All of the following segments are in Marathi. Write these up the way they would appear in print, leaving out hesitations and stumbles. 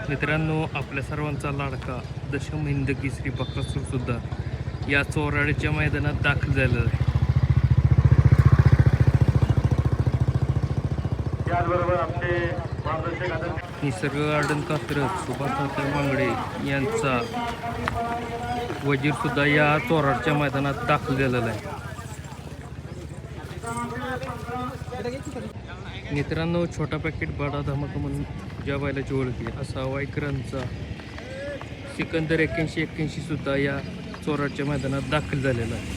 मित्रांनो, आपल्या सर्वांचा लाडका दशम हिंद केसरी बकासूर सुद्धा या चोराड्याच्या मैदानात दाखल झालेला आहे. निसर्ग गार्डन कात्रज सुभाष मांगडे यांचा वजीर सुद्धा या चोराडच्या मैदानात दाखल झालेला आहे. मित्रांनो, छोटा पॅकेट बडा धमाका म्हणून ज्या बैलाची ओळख आहे असा वायकरांचा सिकंदर 81 सुद्धा या चोराडच्या मैदानात दाखल झालेला आहे.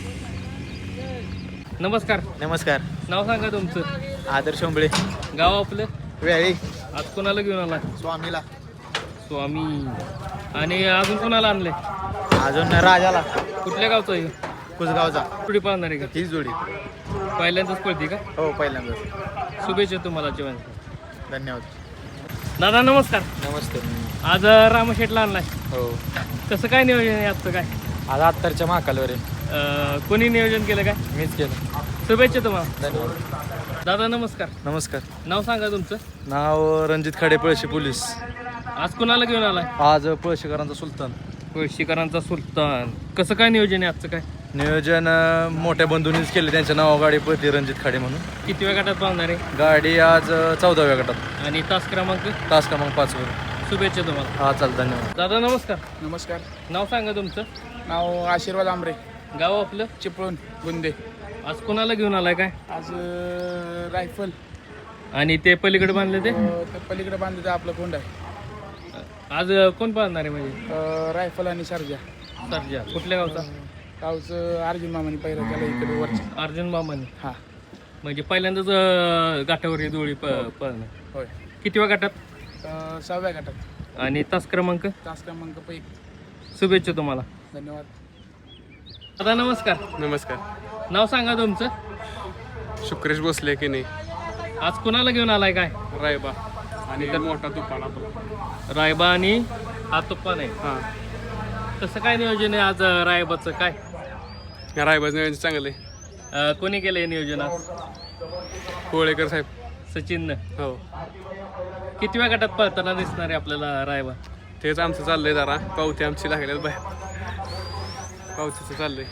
नमस्कार. नमस्कार. नाव सांगा तुमचं? आदर्श ओंबळे. गाव आपलं? वेळी. आज कोणाला घेऊन आला? स्वामीला. स्वामी. आणि अजून कोणाला आणले? अजून राजाला. कुठल्या गावचा आहे? कुसगावचा. जोडी पाहणार आहे का? हीच जोडी. पहिल्यांदाच पळते का? हो, पहिल्यांदाच. शुभेच्छा तुम्हाला जेवण. धन्यवाद. दादा नमस्कार. नमस्ते. आज रामशेठला आणलाय. हो. कसं काय नियोजन आहे आजचं? काय आज अत्तरच्या महाकालवर आहे. कोणी नियोजन केलं काय? मीच केलं. शुभेच्छा तुम्हाला. धन्यवाद. दादा नमस्कार. नमस्कार. नाव सांगा तुमचं? नाव रणजित खाडे, पळशी पोलीस. आज कोणाला घेऊन आलाय? आज पळशीकरांचा सुलतान. पळशीकरांचा सुलतान. कसं काय नियोजन आहे आजचं? काय नियोजन मोठ्या बंधूंनीच केले. त्यांच्या नावा गाडी पळते रणजित खाडे म्हणून. किती वेळ गटात पाहणार आहे गाडी? आज 14व्या गटात. आणि तास क्रमांक? तास क्रमांक 5 वर. शुभेच्छा तुम्हाला. हा, चाल. धन्यवाद. दादा नमस्कार. नमस्कार. नाव सांगा तुमचं? नाव आशीर्वाद आंबरे, गाव आपलं? चिपळूण गुंदे. आज कोणाला घेऊन आलाय? काय आज रायफल आणि ते पलीकडे बांधले ते पलीकडे बांधलं आपलं कोंड आहे. आज कोण पाहणार आहे? म्हणजे रायफल आणि सर्जा. सर्जा. कुठल्या गावचा? गावचं अर्जुन मामाने पहिलं त्याला इकडे वरचं. अर्जुन मामाने. हां, म्हणजे पहिल्यांदाच गाठावर ही जोडी पळणार. होय. किती वेळ गटात? 6व्या गटात. आणि तास क्रमांक? तास क्रमांक 1. शुभेच्छा तुम्हाला. धन्यवाद. दादा नमस्कार. नमस्कार. नाव सांगा तुमचं? शुक्रेश बसले की नाही. आज कोणाला घेऊन आलाय? काय रायबा आणि मोठा तुफान आपला. रायबा आणि हा तुप्पा नाही. हां, कसं काय नियोजन आहे आज रायबाचं? काय रायबाचं नियोजन चांगलं आहे. कोणी केलं हे नियोजन आज? कोळेकर साहेब. सचिननं. हो, किती वेळ गटात पळताना दिसणार आहे आपल्याला रायबा? तेच आमचं चाललंय. जरा पावती आमची लागल्यात बाहेर. पावतीचं चाललंय.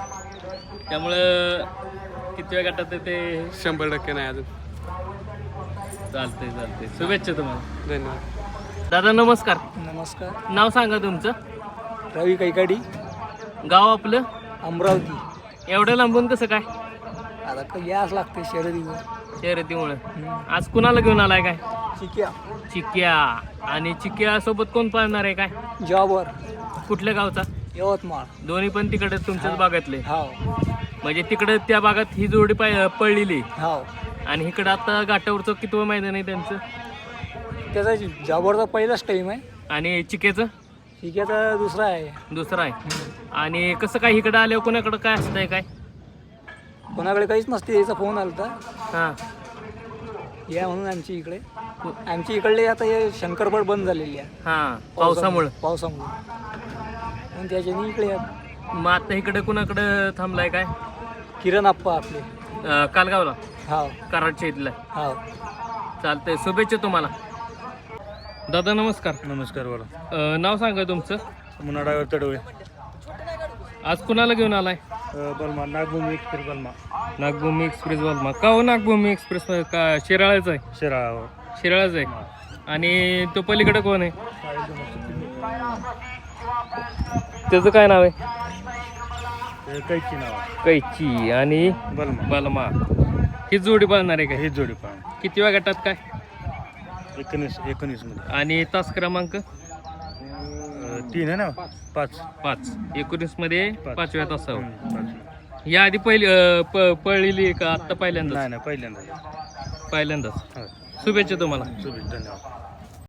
त्यामुळं किती वेळ गटात ते 100% नाही अजून. चालतंय. शुभेच्छा तुम्हाला. धन्यवाद. दादा नमस्कार. नमस्कार. नाव सांगा तुमचं? रवी कैकाडी, गाव आपलं? अमरावती. एवढं लांबून कसं काय? आता यास लागते शर्यतीवर. शर्यतीमुळे. आज कुणाला घेऊन आलाय? काय चिक्या. चिक्या. आणि चिक्या सोबत कोण पाळणार आहे? काय जॉबवर. कुठल्या गावचा? यवतमाळ. दोन्ही पण तिकडे तुमच्याच भागातले? हाव. म्हणजे तिकडे त्या भागात ही जोडी पळलेली हाव. आणि इकडं आता घाटावरचं कितवं मैदान आहे त्यांचं? त्याचा जॉबवरचा पहिलाच टाईम आहे. आणि चिक्याचं? चिक्याचा दुसरा आहे. दुसरा आहे. आणि कसं काय इकडं आल्यावर कोणाकडं काय असतंय? काय कोणाकडे काहीच नसते. याचा फोन आला होता हां. या म्हणून आमची इकडे. आमची इकडले आता हे शंकरपड बंद झालेली आहे हां, पावसामुळं. म्हणून त्याच्यानी इकडे या. मग आता इकडे कुणाकडं थांबलाय? काय किरण आप्पा आपले. कालगावला? हाव. कराडच्या इथला. हाव. चालतंय. शुभेच्छा तुम्हाला. दादा नमस्कार. नमस्कार. बोला. नाव सांगा तुमचं? मुन्ना ड्रायव्हर तडवळे. आज कुणाला घेऊन आलाय? बलमा. नागभूमी एक्सप्रेस बलमा. नागभूमी एक्सप्रेस बलमा. का हो नागभूमी एक्सप्रेस? का शिराळाचं आहे? शिराळावर. शिराळाचं आहे. आणि तो पलीकडे कोण आहे? त्याचं काय नाव आहे? कैची नाव. कैची आणि बलमा. बलमा. ही जोडी पाळणार आहे का? ही जोडी पाहून किती वेळ गटात? काय 19 मध्ये. आणि तास क्रमांक? 3 आहे ना. 5. 19 मध्ये 5व्या तासावर. 5. या आधी पळलेली आहे का? आत्ता पहिल्यांदाच? नाही, पहिल्यांदा. पहिल्यांदाच. हो. शुभेच्छा तुम्हाला. धन्यवाद.